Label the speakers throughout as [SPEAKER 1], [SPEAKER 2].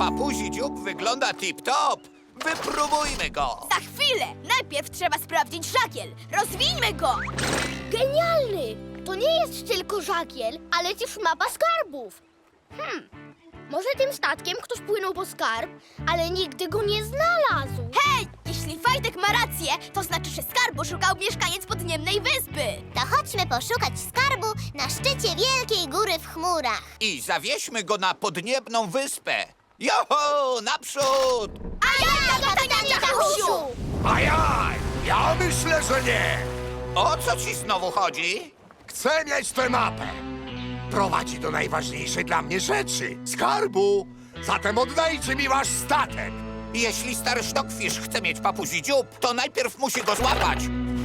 [SPEAKER 1] Papuzi dziób wygląda tip-top. Wypróbujmy go.
[SPEAKER 2] Za chwilę! Najpierw trzeba sprawdzić żagiel. Rozwijmy go!
[SPEAKER 3] Genialny! To nie jest tylko żagiel, ale też mapa skarbów. Może tym statkiem ktoś płynął po skarb, ale nigdy go nie znalazł.
[SPEAKER 2] Hej! Jeśli Fajtek ma rację, to znaczy, że skarbu szukał mieszkaniec podniebnej wyspy.
[SPEAKER 4] To chodźmy poszukać skarbu na szczycie wielkiej góry w chmurach.
[SPEAKER 1] I zawieźmy go na podniebną wyspę. Joho, naprzód!
[SPEAKER 2] Ajaj, kapitanie Kachusiu!
[SPEAKER 5] Ajaj! Ja myślę, że nie!
[SPEAKER 1] O co ci znowu chodzi?
[SPEAKER 5] Chcę mieć tę mapę! Prowadzi do najważniejszej dla mnie rzeczy skarbu! Zatem oddajcie mi wasz statek!
[SPEAKER 1] Jeśli stary Sztokfisz chce mieć papuzi dziób, to najpierw musi go złapać.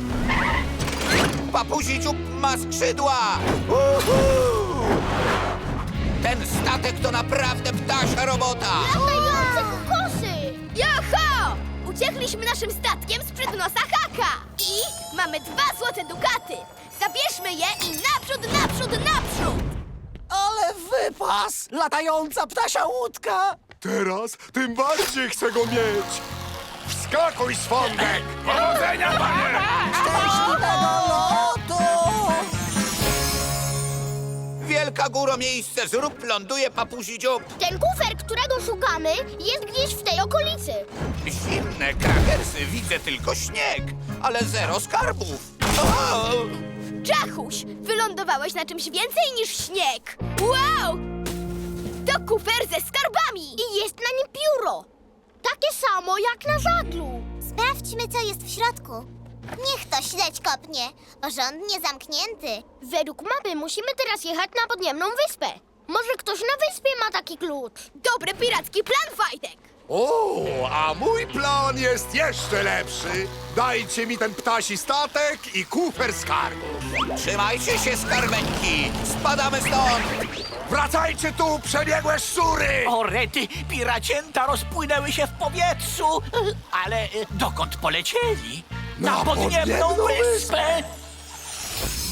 [SPEAKER 1] Papuzi dziób ma skrzydła! Uhu! Ten statek to naprawdę ptasia robota!
[SPEAKER 3] Latające kokosy!
[SPEAKER 2] Joho! Uciekliśmy naszym statkiem sprzed nosa Haka. I mamy 2 złote dukaty. Zabierzmy je i naprzód, naprzód, naprzód!
[SPEAKER 6] Ale wypas! Latająca ptasia łódka!
[SPEAKER 5] Teraz tym bardziej chcę go mieć! Wskakuj, swądek! Powodzenia, panie!
[SPEAKER 6] Szczęśliwego lotu!
[SPEAKER 1] Wielka góro miejsce, zrób ląduje papuzi dziób.
[SPEAKER 3] Ten kufer, którego szukamy, jest gdzieś w tej okolicy.
[SPEAKER 1] Zimne krakersy, widzę tylko śnieg, ale zero skarbów. O!
[SPEAKER 2] Czachuś, wylądowałeś na czymś więcej niż śnieg. Wow! To kufer ze skarbami.
[SPEAKER 3] I jest na nim pióro. Takie samo jak na żaglu.
[SPEAKER 4] Sprawdźmy, co jest w środku. Niech to śledź kopnie. Porządnie zamknięty.
[SPEAKER 3] Według mapy musimy teraz jechać na podniebną wyspę. Może ktoś na wyspie ma taki klucz.
[SPEAKER 2] Dobry piracki plan, Fajtek.
[SPEAKER 5] O, a mój plan jest jeszcze lepszy! Dajcie mi ten ptasi statek i kufer skarbu!
[SPEAKER 1] Trzymajcie się, skarbeńki! Spadamy stąd!
[SPEAKER 5] Wracajcie tu, przebiegłe szczury!
[SPEAKER 6] O rety, piracięta rozpłynęły się w powietrzu! Ale dokąd polecieli?
[SPEAKER 5] Na podniebną
[SPEAKER 6] wyspę!